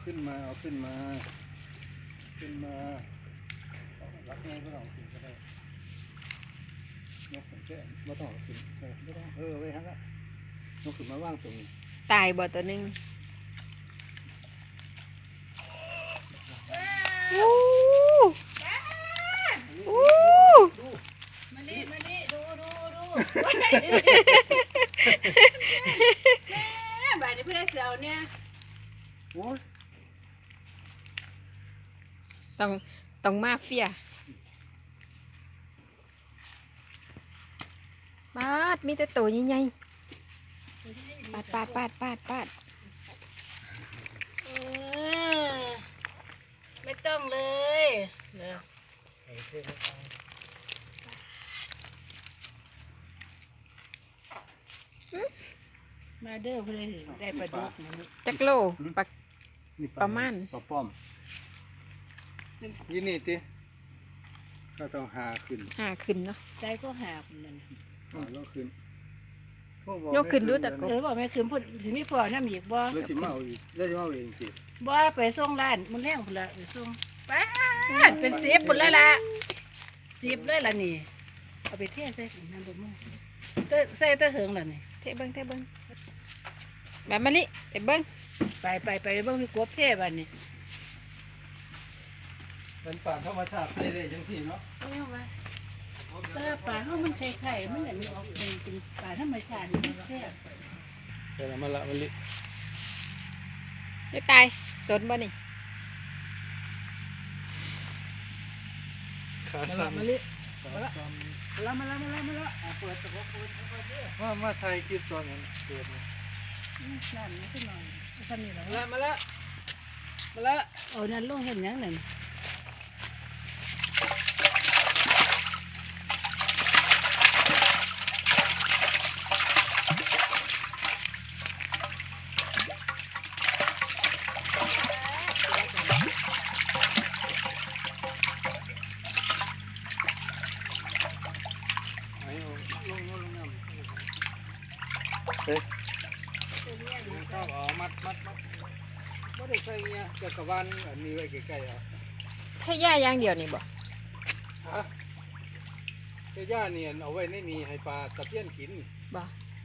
ขึ้นมาขึ้นมารักง่ายก็ลองขึ้นก็ได้นกแค่ไม่ต้องขึ้นไม่ต้องไว้ฮะละนกขึ้นมาว่างตรงนี้ตายบ่ตัวนึงมานี่ดูแม่บ่ายนี้เพื่อนเสียวเนี่ยโอ้ยต้องมาเฟียปาดมีแต่ตัวใหญ่ๆปาดไม่ต้องเลยนะมาเด้อเพื่อนได้ปลาดุกนี่จักโลประมาณปลาป้อมยี่นี่ติก็ต้องหาขึ้นเนาะใจก็หาคนนั้นยกขึ้นยกขึ้นดูตะกบบอกแม่คืนพูดสิมีพอน้ำอีกบ่แล้วสิมาเอาอีกแล้วสิมาเอาเองสิบ่ไปส่งร้านมันแรงพุ่นละไปส่งป้าเป็น10พุ่นแล้วล่ะ10เลยล่ะนี่เอาไปเทใส่น้ำบ่มึงก็ใส่ตะเหิงล่ะนี่เทเบิ้งแบบมะลิเทเบิ้งไปเบิ่งพี่กบเทบัดนี้เป็นป่าธรรมชาติใส่ได้จังซี่เนาะเอาไว้แต่ปลาเฮามันไข่มันอันนี้ออกเป็นปลาธรรมชาตินี่แซ่บเดี๋ยวมาละมะลิจะตายสนบ่นี่ขาสั่นมะลิมาละเปิดตะบกเปิดมาไทยคิดตอนนั้นเกิดนั่นนี่ขึ้นหน่อยทำนี่เหรอมาละนั่นลงเห็นยังนั่นชอบมัดไม่ได้ใส่เงี้ยจะกระวันอันนี้ไว้ใกล้ๆอ่ะถ้าย่าอย่างเดียวนี่บ่ฮะเจ้าย่าเนี่ยเอาไว้ในนี้ให้ปลาตะเพียนกินบ่